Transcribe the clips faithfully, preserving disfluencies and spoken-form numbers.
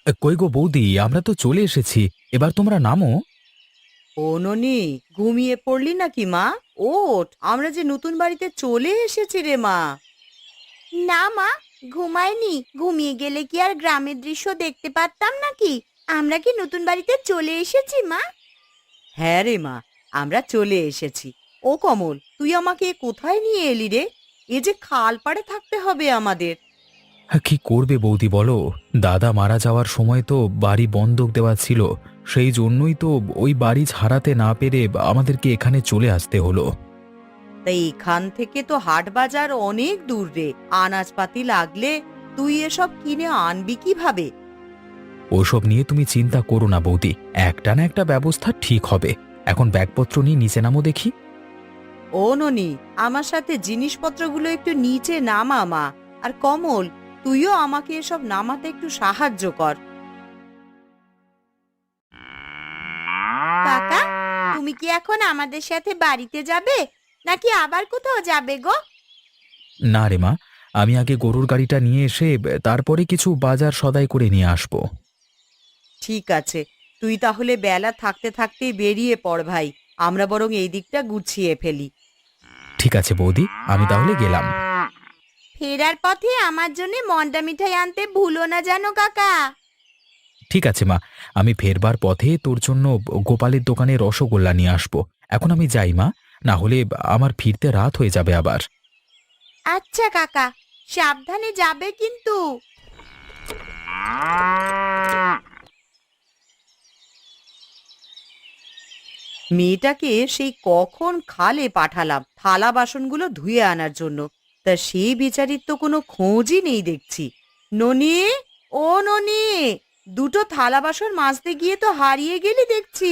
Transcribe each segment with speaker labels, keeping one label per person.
Speaker 1: এ, কই গো বৌদি, আমরা তো চলে এসেছি। এবার তোমরা নামো।
Speaker 2: ও ননি, ঘুমিয়ে পড়লি নাকি মা? ওঠ, আমরা যে নতুন বাড়িতে চলে এসেছি রে মা।
Speaker 3: না মা, ঘুমাইনি। ঘুমিয়ে গেলে কি আর গ্রামের দৃশ্য দেখতে পারতাম নাকি? আমরা কি নতুন বাড়িতে চলে এসেছি মা?
Speaker 2: হ্যাঁ রে মা, আমরা চলে এসেছি। ও কমল, তুই আমাকে কোথায় নিয়ে এলি রে? এ যে খাল পাড়ে থাকতে হবে আমাদের।
Speaker 1: হ্যাঁ, কি করবে বৌদি বলো? দাদা মারা যাওয়ার সময় তো বাড়ি বন্ধক দেওয়া ছিল। সেই জন্যই তো ওই বাড়ি ছাড়াতে না পেরে আমাদেরকে এখানে চলে আসতে হলো।
Speaker 2: তাই এখান থেকে তো হাট বাজার অনেক দূর রে। আনাজপাতি লাগলে তুই এসব কিনে আনবি কিভাবে?
Speaker 1: ওসব নিয়ে তুমি চিন্তা করো না বৌদি, একটা না একটা ব্যবস্থা ঠিক হবে। এখন ব্যাগপত্র নিয়ে নিচে নামো দেখি।
Speaker 2: ও ননি, আমার সাথে জিনিসপত্রগুলো একটু নিচে নামা মা। আর কমল, তুইও আমাকে এসব নামাতে একটু সাহায্য কর।
Speaker 3: কাকা, তুমি কি এখন আমাদের সাথে বাড়িতে যাবে নাকি আবার কোথাও যাবে গো?
Speaker 1: না রে মা, আমি আগে গরুর গাড়িটা নিয়ে এসে তারপরে কিছু বাজার সদাই করে নিয়ে আসবো।
Speaker 2: ঠিক আছে, তুই তাহলে বেলা থাকতে থাকতেই বেরিয়ে পড় ভাই। আমরা বরং এই দিকটা গুছিয়ে ফেলি।
Speaker 1: ঠিক আছে বৌদি, আমি তাহলে গেলাম।
Speaker 3: ফেরার পথে আমার জন্য মন্ডা মিঠাই আনতে ভুলো না জানো কাকা।
Speaker 1: ঠিক আছে মা, আমি ফেরবার পথে তোর জন্য গোপালের দোকানে রসগোল্লা নিয়ে আসবো। এখন আমি যাই মা, না হলে আমার ফিরতে রাত হয়ে যাবে আবার।
Speaker 3: আচ্ছা কাকা, সাবধানে যাবে কিন্তু।
Speaker 2: মেয়েটাকে সেই কখন খালে পাঠালাম থালা বাসনগুলো ধুয়ে আনার জন্য, তা সেই বেচারির তো কোনো খোঁজই নেই দেখছি। ননি, ও ননি, দুটো থালা বাসন মাজতে গিয়ে তো হারিয়ে গেলি দেখছি।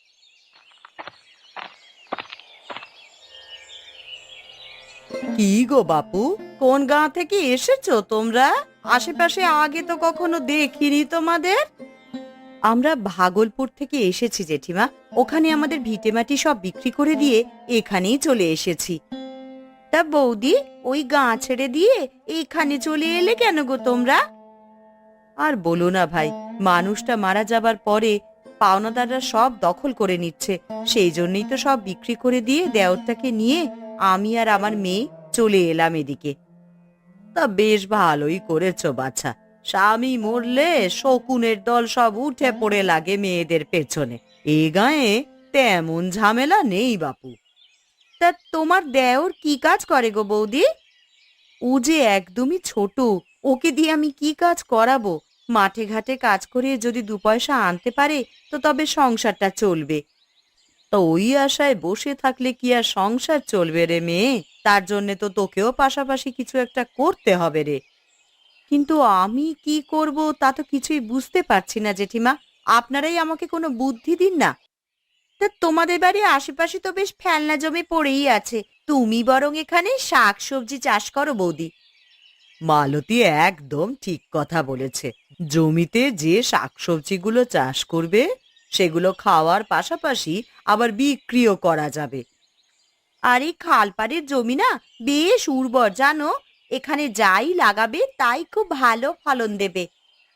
Speaker 2: কি গো বাপু, কোন গাঁ থেকে এসেছো তোমরা? আশেপাশে আগে তো কখনো দেখিনি তোমাদের। আমরা ভাগলপুর থেকে এসেছি জেঠিমা। ওখানে আমাদের ভিটেমাটি সব বিক্রি করে দিয়ে এখানেই চলে এসেছি। তা বৌদি, ওই গাঁ ছেড়ে দিয়ে এইখানে চলে এলে কেন গো তোমরা? আর বলো না ভাই, মানুষটা মারা যাবার পরে পাওনাদাররা সব দখল করে নিচ্ছে। সেই জন্যই তো সব বিক্রি করে দিয়ে দেওরটাকে নিয়ে আমি আর আমার মেয়ে চলে এলাম এদিকে। তা বেশ ভালোই করেছো বাছা। স্বামী মরলে শকুনের দল সব উঠে পড়ে লাগে মেয়েদের পেছনে। এ গায়ে তেমন ঝামেলা নেই বাপু। তা তোমার দেওর কি কাজ করে গো বৌদি? ও যে একদমই ছোট, ওকে দিয়ে আমি কি কাজ করাবো? মাঠে ঘাটে কাজ করে যদি দু পয়সা আনতে পারে তো তবে সংসারটা চলবে। তো ওই আশায় বসে থাকলে কি আর সংসার চলবে রে মেয়ে? তার জন্য তো তোকেও পাশাপাশি কিছু একটা করতে হবে রে। কিন্তু আমি কি করব তা তো কিছুই বুঝতে পারছি না জেঠিমা। আপনারাই আমাকে কোনো বুদ্ধি দিন না। তা তোমাদের বাড়ির আশেপাশে তো বেশ ফেলনা জমি পড়েই আছে, তুমি বরং এখানে শাক সবজি চাষ করো বৌদি। মালতী একদম ঠিক কথা বলেছে। জমিতে যে শাকসবজিগুলো চাষ করবে সেগুলো খাওয়ার পাশাপাশি আবার বিক্রিও করা যাবে। আর এই খালপাড়ের জমি না বেশ উর্বর জানো, এখানে যাই লাগাবে তাই খুব ভালো ফলন দেবে।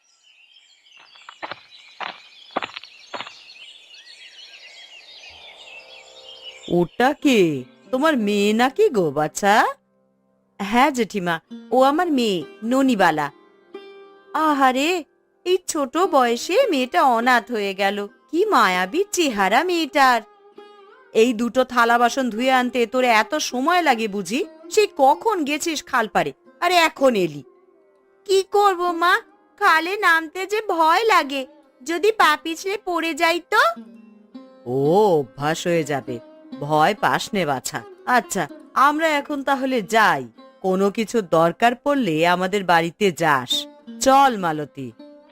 Speaker 2: ওটা কে? তোমার মেয়ে নাকি গো বাছা? হ্যাঁ জেঠিমা, ও আমার মেয়ে ননিবালা। আহারে, এই ছোট বয়সে মেয়েটা অনাথ হয়ে গেল। কি মায়াবী চেহারা মেয়েটার। এই দুটো থালা বাসন ধুয়ে আনতে তোর এত সময় লাগে বুঝি? সেই কখন গেছিস খালপাড়ে, আরে এখন এলি?
Speaker 3: কি করব মা, খালে নামতে যে ভয় লাগে, যদি পা পিছলে পড়ে যাই তো।
Speaker 2: ও, অভ্যাস হয়ে যাবে, ভয় পাস নে বাছা। আচ্ছা, আমরা এখন তাহলে যাই। কোনো কিছু দরকার পড়লে আমাদের বাড়িতে যাস। চল মালতী।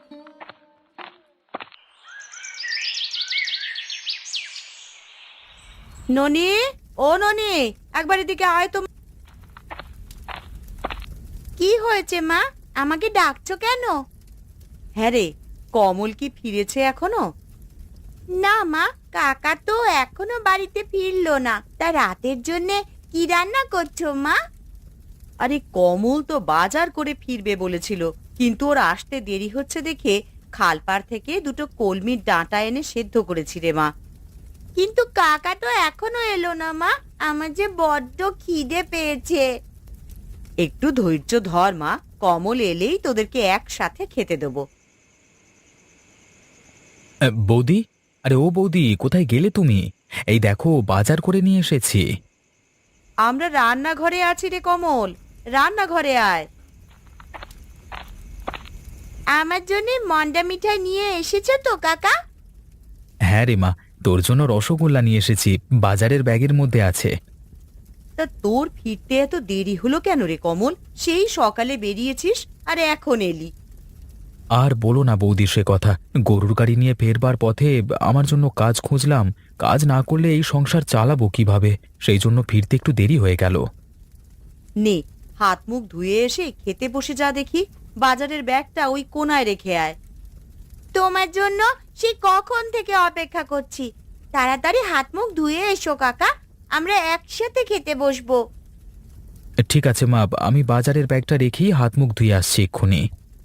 Speaker 2: ননি, ও ননি, একবার এদিকে আয় তো।
Speaker 3: কি হয়েছে মা, আমাকে ডাকছো কেন?
Speaker 2: হ্যাঁ রে, কমল কি ফিরেছে এখনো?
Speaker 3: না মা, কাকা তো এখনো বাড়িতে ফিরলো না। তা রাতের জন্য কি রান্না করছো মা?
Speaker 2: আরে কমল তো বাজার করে ফিরবে বলেছিল, কিন্তু ওর আসতে দেরি হচ্ছে দেখে খালপাড় থেকে দুটো কলমির ডাঁটা এনে সেদ্ধ করেছি রে মা।
Speaker 3: কিন্তু কাকা তো এখনো এলো না মা, আমার যে বড্ড খিদে পেয়েছে।
Speaker 2: একটু ধৈর্য ধর মা, কমল এলেই তোদেরকে একসাথে খেতে দেবো।
Speaker 1: আহ, বৌদি, আরে ও বৌদি, কোথায় গেলে তুমি? এই দেখো বাজার করে নিয়ে এসেছি।
Speaker 2: আমরা রান্নাঘরে আছি রে কমল, রান্নাঘরে আয়।
Speaker 3: আমার জন্য মন্ডা মিঠাই নিয়ে এসেছো তো কাকা?
Speaker 1: হ্যাঁ রে মা, তোর জন্য রসগোল্লা নিয়ে এসেছি, বাজারের ব্যাগের মধ্যে আছে।
Speaker 2: তা তোর ফিরতে এত দেরি হলো কেন রে কমল? সেই সকালে বেরিয়েছিস আর এখন এলি।
Speaker 1: আর বলো না বৌদি সে কথা, গরুর গাড়ি নিয়ে ফেরবার পথে আমার জন্য কাজ খুঁজলাম। কাজ না করলে এই সংসার চালাবো কিভাবে, সেই জন্য ফিরতে একটু দেরি হয়ে গেল।
Speaker 2: নে, হাত মুখ ধুয়ে এসে খেতে বসে যা দেখি। বাজারের ব্যাগটা ওই কোনায় রেখে আয়।
Speaker 3: তোমার জন্য সে কখন থেকে অপেক্ষা করছি। তাড়াতাড়ি হাত মুখ ধুয়ে এসো কাকা, আমরা একসাথে খেতে বসবো।
Speaker 1: ঠিক আছে মা, আমি বাজারের ব্যাগটা রেখেই হাত মুখ ধুয়ে আসছি এক্ষুনি।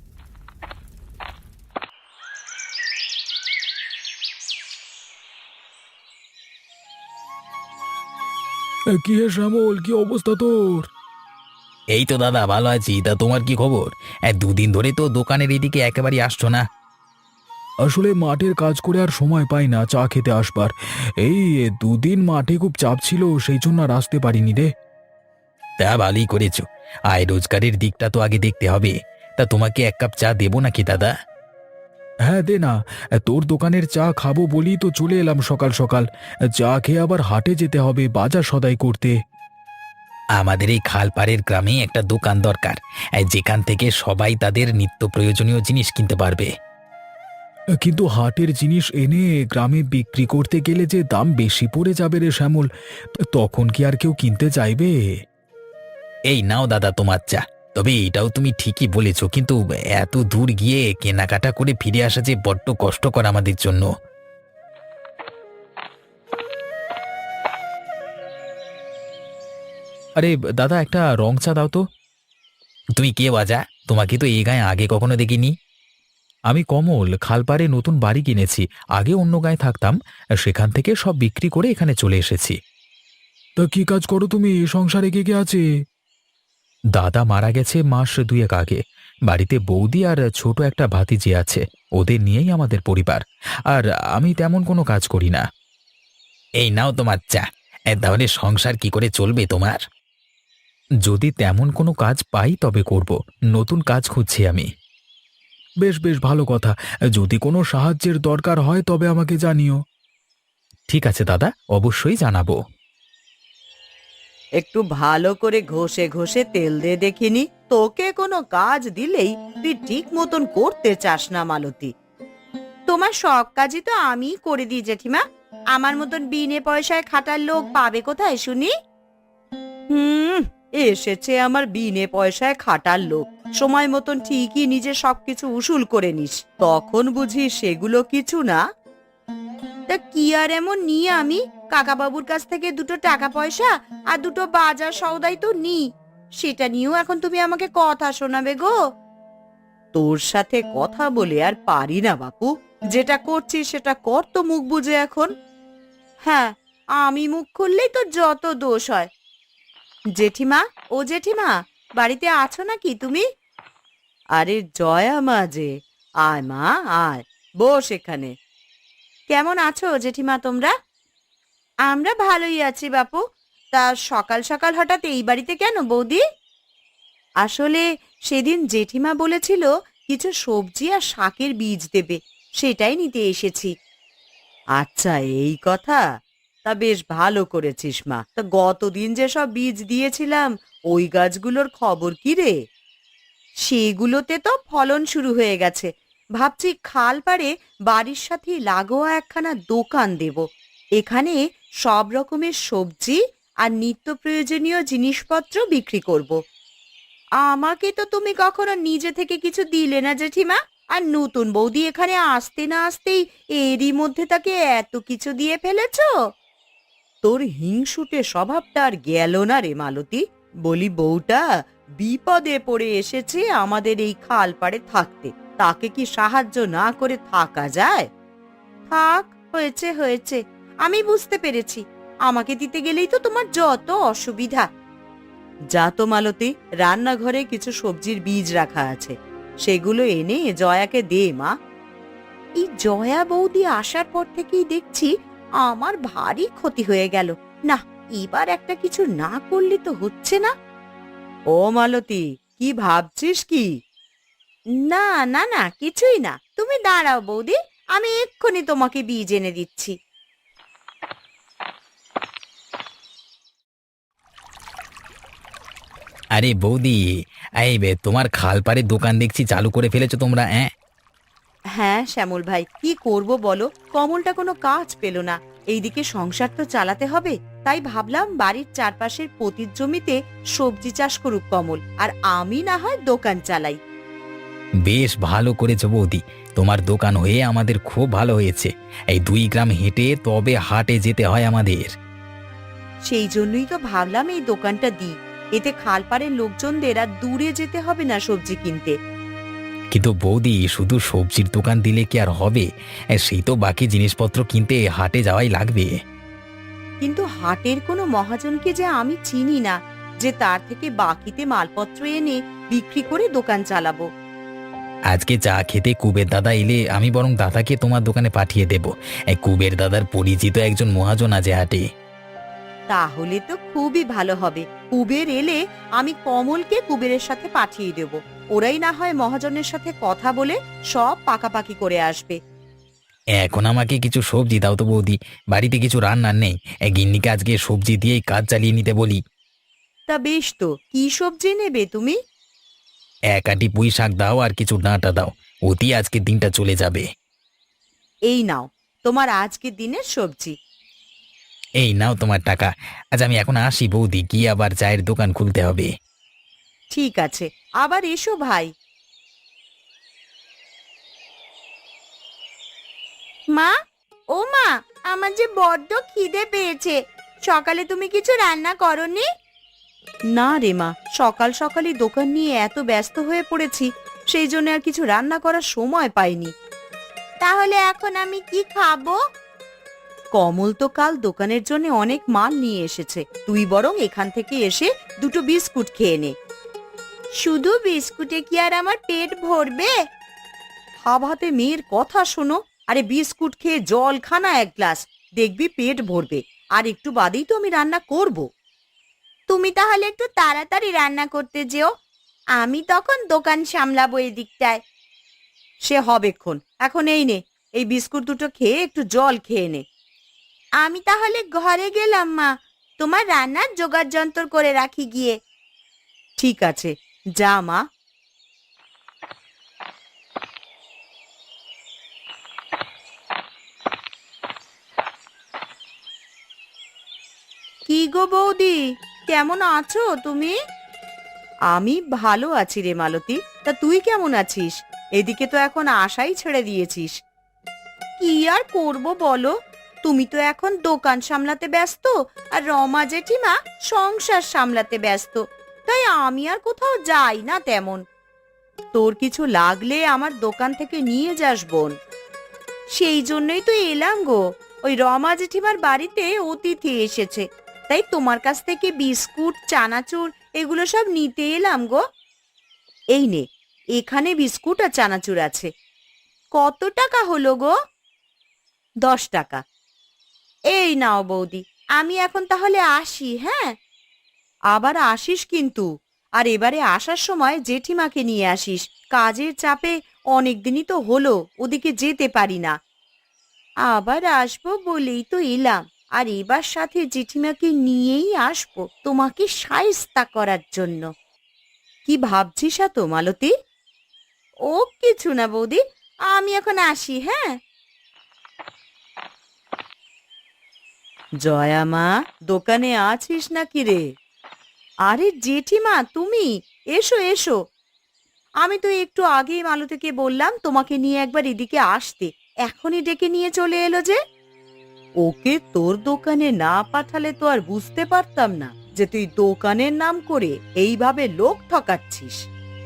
Speaker 1: কি হে শ্যামল, কি অবস্থা তোর?
Speaker 4: এই তো দাদা, ভালো আছি। তা তোমার কি খবর? এক দুদিন ধরে তো দোকানের এদিকে একেবারে আসছো না।
Speaker 1: আসলে মাঠের কাজ করে আর সময় পাই না চা খেতে আসবার। এই দুদিন মাঠে খুব চাপ ছিল, সেই জন্য আর আসতে পারিনি রে।
Speaker 4: তা ভালোই করেছো, আয় রোজগারের দিকটা তো আগে দেখতে হবে। তা তোমাকে এক কাপ চা দেবো নাকি দাদা?
Speaker 1: হ্যাঁ দে না, তোর দোকানের চা খাবো বলি তো চলে এলাম সকাল সকাল। চা খেয়ে আবার হাটে যেতে হবে বাজার সদাই করতে।
Speaker 4: আমাদের এই খালপাড়ের গ্রামে একটা দোকান দরকার, এই যেখান থেকে সবাই তাদের নিত্য প্রয়োজনীয় জিনিস কিনতে পারবে।
Speaker 1: কিন্তু হাটের জিনিস এনে গ্রামে বিক্রি করতে গেলে যে দাম বেশি পড়ে যাবে রে শ্যামল, তখন কি আর কেউ কিনতে চাইবে?
Speaker 4: এই নাও দাদা তোমার চা। তবে এটাও তুমি ঠিকই বলেছো, কিন্তু এত দূর গিয়ে কেনাকাটা করে ফিরে আসা যে বড্ড কষ্টকর আমাদের জন্য।
Speaker 1: আরে দাদা, একটা রং চা দাও তো।
Speaker 4: তুমি কে বাজা? তোমাকে তো এই গায়ে আগে কখনো দেখিনি।
Speaker 1: আমি কমল, খালপাড়ে নতুন বাড়ি কিনেছি। আগে অন্য গায়ে থাকতাম, সেখান থেকে সব বিক্রি করে এখানে চলে এসেছি। তা কি কাজ করো তুমি? সংসারে কে কে আছে? দাদা মারা গেছে মাস দুয়েক আগে। বাড়িতে বৌদি আর ছোট একটা ভাতিজি আছে, ওদের নিয়েই আমাদের পরিবার। আর আমি তেমন কোনো কাজ করি না।
Speaker 4: এই নাও তোমার চা। এ, তাহলে সংসার কি করে চলবে তোমার?
Speaker 1: যদি তেমন কোনো কাজ পাই তবে করব, নতুন কাজ খুঁজছি আমি। বেশ বেশ ভালো কথা, যদি কোনো সাহায্যের দরকার হয় তবে আমাকে জানিও। ঠিক আছে দাদা, অবশ্যই জানাবো।
Speaker 2: একটু ভালো করে ঘষে ঘষে তেল দে দেখিনি। তোকে কোনো কাজ দিলেই তুই ঠিক মতন করতে চাস না মালতী।
Speaker 3: তোমার সব কাজই তো আমিই করে দিই জেঠিমা। আমার মতন বিনে পয়সায় খাটার লোক পাবে কোথায় শুনি?
Speaker 2: হুম, এসেছে আমার বিনে পয়সায় খাটার লোক। সময় মতন ঠিকই নিজে সবকিছু উসুল করে নিস, তখন বুঝি সেগুলো কিছু না।
Speaker 3: তা কি আর এমন নিই আমি? কাকা বাবুর কাছ থেকে দুটো টাকা পয়সা আর দুটো বাজার সওদাই তো নিই। সেটা নিয়েও এখন তুমি আমাকে কথা শোনাবে গো?
Speaker 2: তোর সাথে কথা বলে আর পারি না বাপু। যেটা করছিস সেটা কর তো মুখ বুঝে এখন।
Speaker 3: হ্যাঁ, আমি মুখ খুললেই তো যত দোষ হয়। জেঠিমা, ও জেঠিমা, বাড়িতে আছো নাকি তুমি?
Speaker 2: আরে জয়া মা যে, আয় মা আয়, বস এখানে।
Speaker 3: কেমন আছো জেঠিমা তোমরা? আমরা ভালোই আছি বাপু। তা সকাল সকাল হঠাৎ এই বাড়িতে কেন বৌদি?
Speaker 2: আসলে সেদিন জেঠিমা বলেছিল কিছু সবজি আর শাকের বীজ দেবে, সেটাই নিতে এসেছি। আচ্ছা এই কথা, তা বেশ ভালো করেছিস মা। তা গতদিন যে সব বীজ দিয়েছিলাম ওই গাছগুলোর খবর কি রে?
Speaker 3: সেগুলোতে তো ফলন শুরু হয়ে গেছে।
Speaker 2: ভাবছি খাল পাড়ে বাড়ির সাথে লাগোয়া একখানা দোকান দেব। এখানে সব রকমের সবজি আর নিত্য প্রয়োজনীয় জিনিসপত্র বিক্রি করব।
Speaker 3: আমাকে তো তুমি কখনো নিজে থেকে কিছু দিলে না জেঠিমা। আর নতুন বৌদি এখানে আসতে না আসতেই এরই মধ্যে তাকে এত কিছু দিয়ে ফেলেছো।
Speaker 2: তোর হিংসুটে স্বভাবটা আর গেল না রে মালতী। বলি বউটা বিপদে পড়ে এসেছে আমাদের এই খাল পাড়ে থাকতে, তাকে কি সাহায্য না করে থাকা যায়?
Speaker 3: থাক, হয়েছে হয়েছে, আমি বুঝতে পেরেছি। আমাকে দিতে গেলেই তো তোমার যত অসুবিধা।
Speaker 2: যা তো মালতী, রান্নাঘরে কিছু সবজির বীজ রাখা আছে, সেগুলো এনে জয়াকে দে মা।
Speaker 3: এই জয়া বৌদি আসার পর থেকেই দেখছি আমার ভারী ক্ষতি হয়ে গেল। না, এবার একটা কিছু না করলে তো হচ্ছে না।
Speaker 2: ও মালতী, কি ভাবছিস কি?
Speaker 3: না না না, কিছুই না, তুমি দাঁড়াও বৌদি, আমি এক্ষুনি তোমাকে বীজ এনে দিচ্ছি।
Speaker 4: আরে বৌদি, এই বে, তোমার খালপাড়ের দোকান দেখছি চালু করে ফেলেছো তোমরা, হ্যাঁ?
Speaker 2: হ্যাঁ শ্যামল ভাই, কি করব বলো, কমলটা কোনো কাজ পেল না। এইদিকে সংসার তো চালাতে হবে, তাই ভাবলাম বাড়ির চারপাশের পতির জমিতে সবজি চাষ করুক কমল, আর আমি না হয় দোকান চালাই।
Speaker 4: বেশ ভালো করেছো বৌদি, তোমার দোকান হয়ে আমাদের খুব ভালো হয়েছে। এই দুই গ্রাম হেঁটে তবে হাটে যেতে হয় আমাদের।
Speaker 2: সেই জন্যই তো ভাবলাম এই দোকানটা দিই, এতে খালপাড়ের লোকজনদের আর দূরে যেতে হবে না সবজি কিনতে।
Speaker 4: কিন্তু বৌদি, শুধু সবজির দোকান দিলে কি আর হবে? এ, সেই তো বাকি জিনিসপত্র কিনতে হাটে যাওয়াই লাগবে।
Speaker 2: কিন্তু হাটের কোনো মহাজনকে যে আমি চিনি না, যে তার থেকে বাকিতে মালপত্র এনে বিক্রি করে দোকান চালাবো।
Speaker 4: আজকে চা খেতে কুবের দাদা এলে আমি বরং দাদাকে তোমার দোকানে পাঠিয়ে দেব। এই কুবের দাদার পরিচিত একজন মহাজন আছে হাটে।
Speaker 2: তাহলে তো খুবই ভালো হবে। কুবের এলে আমি কমলকে কুবেরের সাথে পাঠিয়ে দেব, ওরাই না হয় মহাজনের সাথে কথা বলে সব পাকাপাকি করে আসবে।
Speaker 4: এখন আমাকে কিছু সবজি দাও তো বৌদি, বাড়িতে কিছু রান্নার নেই। এ, গিন্নিকে আজকে সবজি দিয়েই কাজ চালিয়ে নিতে বলি।
Speaker 2: তা বেশ, তো কি সবজি নেবে তুমি?
Speaker 4: এক আটি পুঁই শাক দাও আর কিছু ডাঁটা দাও, অতি আজকের দিনটা চলে যাবে।
Speaker 2: এই নাও তোমার আজকের দিনের সবজি।
Speaker 4: এই নাও তোমার টাকা। আজ আমি এখন আসি বৌদি, গিয়ে আবার চায়ের দোকান খুলতে হবে।
Speaker 2: ঠিক আছে, আবার এসো ভাই।
Speaker 3: মা, ও মা, আমার যে বড্ড খিদে পেয়েছে। সকালে তুমি কিছু রান্না করনি?
Speaker 2: না রে মা, সকাল সকালই দোকান নিয়ে এত ব্যস্ত হয়ে পড়েছি, সেই জন্য আর কিছু রান্না করার সময় পাইনি।
Speaker 3: তাহলে এখন আমি কি খাবো?
Speaker 2: কমল তো কাল দোকানের জন্য অনেক মাল নিয়ে এসেছে, তুই বরং এখান থেকে এসে দুটো বিস্কুট খেয়ে নে।
Speaker 3: শুধু বিস্কুটে কি আর আমার পেট ভরবে?
Speaker 2: হাতে মেয়ের কথা শোনো, আরে বিস্কুট খেয়ে জল খানা এক গ্লাস, দেখবি পেট ভরবে। আর একটু বাদেই তো আমি রান্না করব।
Speaker 3: তুমি তাহলে একটু তাড়াতাড়ি রান্না করতে যেও, আমি তখন দোকান সামলাবো এদিকটায়।
Speaker 2: সে হবেক্ষণ, এখন এই নে, এই বিস্কুট দুটো খেয়ে একটু জল খেয়ে নে।
Speaker 3: আমি তাহলে ঘরে গেলাম মা, তোমার রান্নার জোগাড় যন্ত্র করে রাখি গিয়ে।
Speaker 2: ঠিক আছে, যা মা।
Speaker 3: কি গো বৌদি, কেমন আছো তুমি?
Speaker 2: আমি ভালো আছি রে মালতী, তা তুই কেমন আছিস? এদিকে তো এখন আশাই ছেড়ে দিয়েছিস।
Speaker 3: কি আর করব বলো, তুমি তো এখন দোকান সামলাতে ব্যস্ত, আর রমা জেঠিমা সংসার সামলাতে ব্যস্ত, তাই আমি আর কোথাও যাই না তেমন।
Speaker 2: তোর কিছু লাগলে আমার দোকান থেকে নিয়ে যাস বোন।
Speaker 3: সেই জন্যই তো এলাম গো, ওই রমা জেঠিমার বাড়িতে অতিথি এসেছে, তাই তোমার কাছ থেকে বিস্কুট, চানাচুর এগুলো সব নিতে এলাম গো।
Speaker 2: এই নে, এখানে বিস্কুট আর চানাচুর আছে।
Speaker 3: কত টাকা হলো গো?
Speaker 2: দশ টাকা।
Speaker 3: এই নাও বৌদি, আমি এখন তাহলে আসি, হ্যাঁ?
Speaker 2: আবার আসিস কিন্তু, আর এবারে আসার সময় জেঠিমাকে নিয়ে আসিস। কাজের চাপে অনেক দিনই তো হলো ওদিকে যেতে পারি না।
Speaker 3: আবার আসবো বলেই তো এলাম, আর এবার সাথে জেঠিমাকে নিয়েই আসবো তোমাকে শায়েস্তা করার জন্য।
Speaker 2: কি ভাবছিস এত মালতী?
Speaker 3: ও কিছু না বৌদি, আমি এখন আসি, হ্যাঁ?
Speaker 2: জয়া মা, দোকানে আছিস নাকি রে? আরে জেঠিমা তুমি, এসো এসো। আমি তো একটু আগেই মালতীকে বললাম তোমাকে নিয়ে একবার এদিকে আসতে, এখনই ডেকে নিয়ে চলে এলো যে। ওকে তোর দোকানে না পাঠালে তো আর বুঝতে পারতাম না যে তুই দোকানের নাম করে এইভাবে লোক ঠকাচ্ছিস।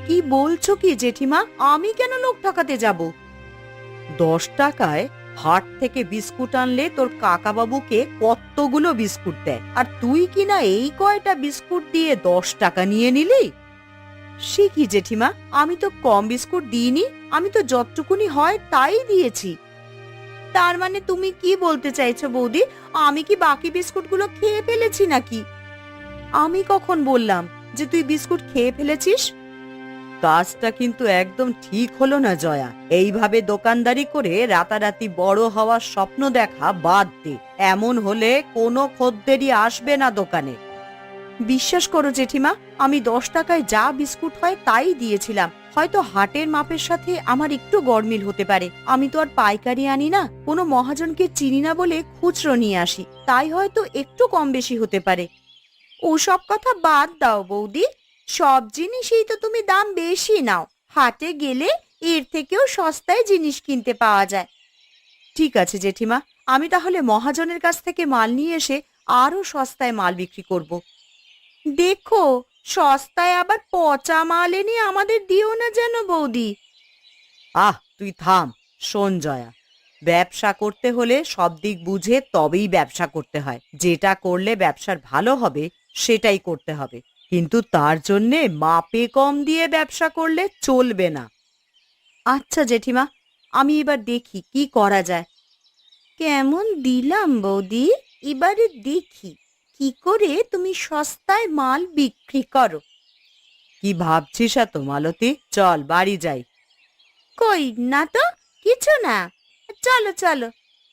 Speaker 2: কি বলছো কি জেঠিমা? আমি কেন লোক ঠকাতে যাব? দশ টাকায় হাট থেকে বিস্কুট আনলে তোর কাকাবাবুকে কতগুলো বিস্কুট দেয়, আর তুই কিনা এই কয়টা বিস্কুট দিয়ে দশ টাকা নিয়ে নিলি? সে কি জেঠিমা, আমি তো কম বিস্কুট দিইনি, আমি তো যতটুকুনি হয় তাই দিয়েছি। তার মানে তুমি কি বলতে চাইছো বৌদি, আমি কি বাকি বিস্কুটগুলো খেয়ে ফেলেছি নাকি? আমি কখন বললাম যে তুই বিস্কুট খেয়ে ফেলেছিস? কাজটা কিন্তু একদম ঠিক হলো না জয়া। এইভাবে দোকানদারি করে রাতারাতি বড় হওয়ার স্বপ্ন দেখা বাদ দে। এমন হলে কোনো খদ্দেরই আসবে না দোকানে। বিশ্বাস করো জেঠিমা, আমি দশ টাকায় যা বিস্কুট হয় তাই দিয়েছিলাম। হয়তো হাটের মাপের সাথে আমার একটু গরমিল হতে পারে। আমি তো আর পাইকারি আনি না, কোনো মহাজনকে চিনি না বলে খুচরো নিয়ে আসি, তাই হয়তো একটু কম বেশি হতে পারে। ওসব কথা বাদ দাও বৌদি, সব জিনিসই তো তুমি দাম বেশি নাও। হাটে গেলে এর থেকেও সস্তায় জিনিস কিনতে পাওয়া যায়। ঠিক আছে জেঠিমা, আমি তাহলে মহাজনের কাছ থেকে মাল নিয়ে এসে আরো সস্তায় মাল বিক্রি করব। দেখো, সস্তায় আবার পচা মাল এনে আমাদের দিও না যেন বৌদি। আহ তুই থাম। শোন জয়া, ব্যবসা করতে হলে সব দিক বুঝে তবেই ব্যবসা করতে হয়। যেটা করলে ব্যবসার ভালো হবে সেটাই করতে হবে, কিন্তু তার জন্যে মাপে কম দিয়ে ব্যবসা করলে চলবে না। আচ্ছা জেঠিমা, আমি এবার দেখি কি করা যায়। কেমন দিলাম বৌদি, এবারে দেখি কি করে তুমি সস্তায় মাল বিক্রি করো। কি ভাবছিস এত মালতী? চল বাড়ি যাই। কই না তো, কিছু না, চলো চলো।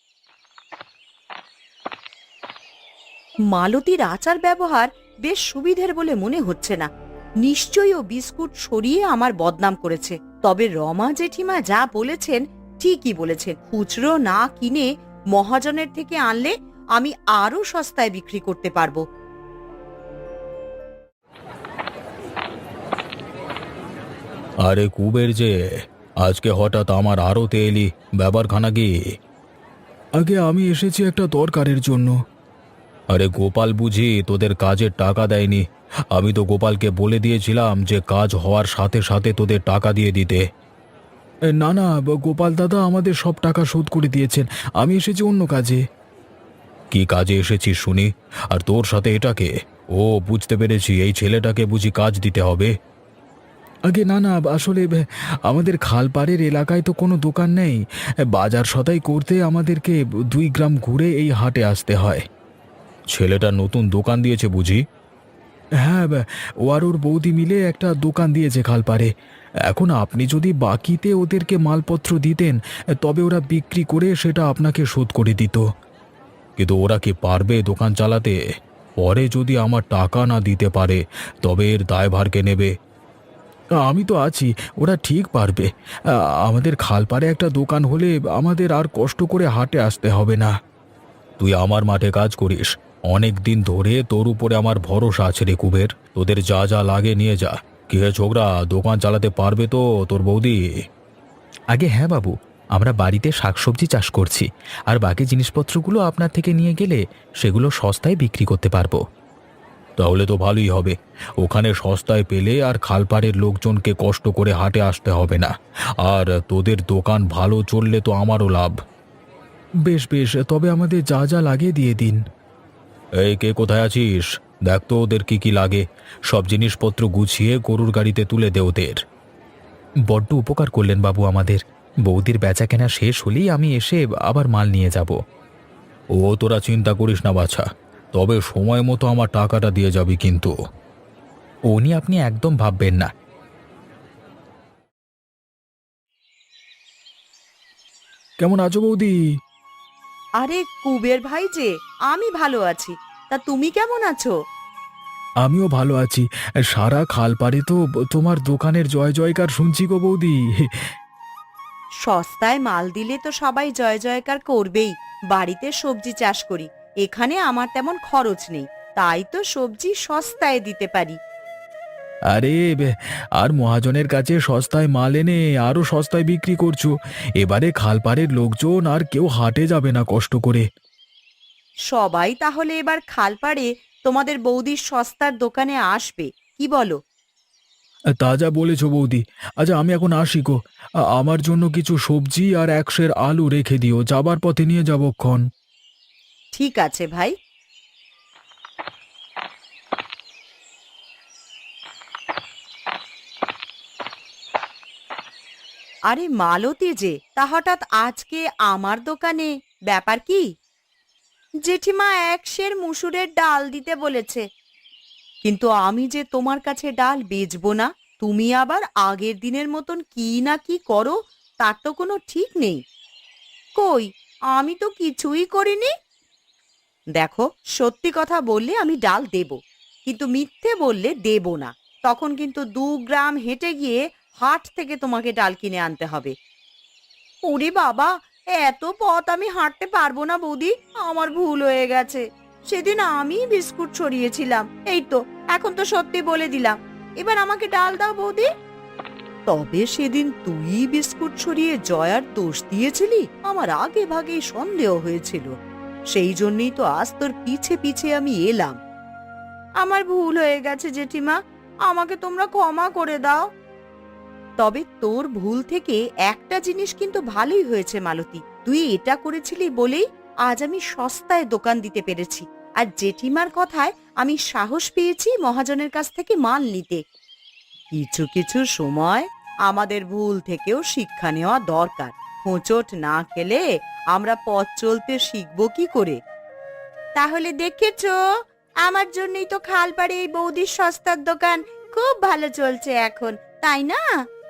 Speaker 2: মালতীর আচার ব্যবহার বেশ সুবিধের বলে মনে হচ্ছে না। নিশ্চয়ই ও বিস্কুট সরিয়ে আমার বদনাম করেছে। তবে রমা জেঠিমা যা বলেছেন ঠিকই বলেছেন। খুচরো না কিনে মহাজনের থেকে আনলে আমি আরো সস্তায় বিক্রি করতে পারবো।
Speaker 1: আরে কুবের যে, আজকে হঠাৎ আমার আড়তে এলি, ব্যাপারখানা কি? আগে আমি এসেছি একটা দরকারের জন্য। আরে গোপাল বুঝি তোদের কাজের টাকা দেয়নি? আমি তো গোপালকে বলে দিয়েছিলাম যে কাজ হওয়ার সাথে সাথে তোদের টাকা দিয়ে দিতে। এ, না না, গোপাল দাদা আমাদের সব টাকা শোধ করে দিয়েছেন। আমি এসেছি অন্য কাজে। কি কাজে এসেছিস শুনি? আর তোর সাথে এটাকে? ও, বুঝতে পেরেছি, এই ছেলেটাকে বুঝি কাজ দিতে হবে। আগে না না, আসলে আমাদের খালপাড়ের এলাকায় তো কোনো দোকান নেই। বাজার সদাই করতে আমাদেরকে দুই গ্রাম ঘুরে এই হাটে আসতে হয়। ছেলেটা নতুন দোকান দিয়েছে বুঝি? হ্যাঁ, ও আর ওর বৌদি মিলে একটা দোকান দিয়েছে খালপাড়ে। এখন আপনি যদি বাকিতে ওদেরকে মালপত্র দিতেন, তবে ওরা বিক্রি করে সেটা আপনাকে শোধ করে দিত। কিন্তু ওরা কি পারবে দোকান চালাতে? পরে যদি আমার টাকা না দিতে পারে তবে এর দায়ভার কে নেবে? আমি তো আছি, ওরা ঠিক পারবে। আ, আমাদের খালপাড়ে একটা দোকান হলে আমাদের আর কষ্ট করে হাটে আসতে হবে না। তুই আমার মাঠে কাজ করিস, অনেক দিন ধরে তোর উপরে আমার ভরসা আছে রে কুবের। তোদের যা যা লাগে নিয়ে যা। কি হে ছোকরা, দোকান চালাতে পারবে তো তোর বৌদি? আগে হ্যাঁ বাবু, আমরা বাড়িতে শাকসবজি চাষ করছি, আর বাকি জিনিসপত্রগুলো আপনার থেকে নিয়ে গেলে সেগুলো সস্তায় বিক্রি করতে পারবো। তাহলে তো ভালোই হবে। ওখানে সস্তায় পেলে আর খালপাড়ের লোকজনকে কষ্ট করে হাটে আসতে হবে না। আর তোদের দোকান ভালো চললে তো আমারও লাভ। বেশ বেশ, তবে আমাদের যা যা লাগে দিয়ে দিন। এই, কে কোথায় আছিস? দেখ তো ওদের কি কি লাগে। সব জিনিসপত্র গুছিয়ে গরুর গাড়িতে তুলে দে ওদের। বড্ড উপকার করলেন বাবু আমাদের। বৌদির বেচা কেনা শেষ হলেই আমি এসে আবার মাল নিয়ে যাব। ও, তোরা চিন্তা করিস না বাছা, তবে সময় মতো আমার টাকাটা দিয়ে যাবি কিন্তু। ও নিয়ে আপনি একদম ভাববেন না। কেমন আছো বৌদি?
Speaker 2: আরে কুবের ভাই যে, আমি ভালো আছি, তা তুমি কেমন আছো?
Speaker 1: আমিও ভালো আছি। সারা খালপাড়ে তো তোমার দোকানের জয় জয়কার শুনছি গো বৌদি।
Speaker 2: সস্তায় মাল দিলে তো সবাই জয় জয়কার করবেই। বাড়িতে সবজি চাষ করি, এখানে আমার তেমন খরচ নেই, তাই তো সবজি সস্তায় দিতে পারি।
Speaker 1: আরে বে- আর মহাজনের কাছে সস্তায় মাল এনে আরো সস্তায় বিক্রি করছো। এবারে খালপাড়ের লোকজন আর কেউ হাটে যাবে না কষ্ট করে।
Speaker 2: সবাই তাহলে এবার খালপাড়ে তোমাদের বৌদির সস্তার দোকানে আসবে, কি বলো?
Speaker 1: তা যা বলেছো বৌদি। আচ্ছা আমি এখন আসি গো। আ- আমার জন্য কিছু সবজি আর এক সের আলু রেখে দিও, যাবার পথে নিয়ে যাবো ক্ষণ।
Speaker 2: ঠিক আছে ভাই। আরে মালতী যে, তা হঠাৎ আজকে আমার দোকানে, ব্যাপার কি? জেঠিমা এক সের মুসুরের ডাল দিতে বলেছে। কিন্তু আমি যে তোমার কাছে ডাল বেচবো না, তুমি আবার আগের দিনের মতন কি না কি করো, তার তো কোনো ঠিক নেই। কই, আমি তো কিছুই করিনি। দেখো, সত্যি কথা বললে আমি ডাল দেব, কিন্তু মিথ্যে বললে দেব না। তখন কিন্তু দু গ্রাম হেঁটে গিয়ে হাট থেকে তোমাকে ডাল কিনে আনতে হবে। ওরে বাবা, এত পথ আমি হাঁটতে পারবো না বৌদি, আমার ভুল হয়ে গেছে। সেদিন আমি বিস্কুট ছড়িয়েছিলাম, এই তো এখন তো সত্যি বলে দিলাম। এবার আমাকে ডাল দাও বৌদি। তবে সেদিন তুই বিস্কুট ছড়িয়ে জয়ার দোষ দিয়েছিলি, আমার আগে ভাগেই সন্দেহ হয়েছিল। সেই জন্যই তো আজ তোর পিছে পিছে আমি এলাম। আমার ভুল হয়ে গেছে জেঠিমা, আমাকে তোমরা ক্ষমা করে দাও। তবে তোর ভুল থেকে একটা জিনিস কিন্তু ভালোই হয়েছে মালতী, তুই এটা করেছিলি বলেই আজ আমি সস্তায় দোকান দিতে পেরেছি। আর জেঠিমার কথায় আমি সাহস পেয়েছি মহাজনের কাছ থেকে মাল নিতে। কিছু কিছু সময় আমাদের ভুল থেকেও শিক্ষা নেওয়া দরকার। হোঁচট না খেলে আমরা পথ চলতে শিখবো কি করে? তাহলে দেখেছো, আমার জন্যই তো খালপাড়ে এই বৌদির সস্তার দোকান খুব ভালো চলছে এখন, তাই না?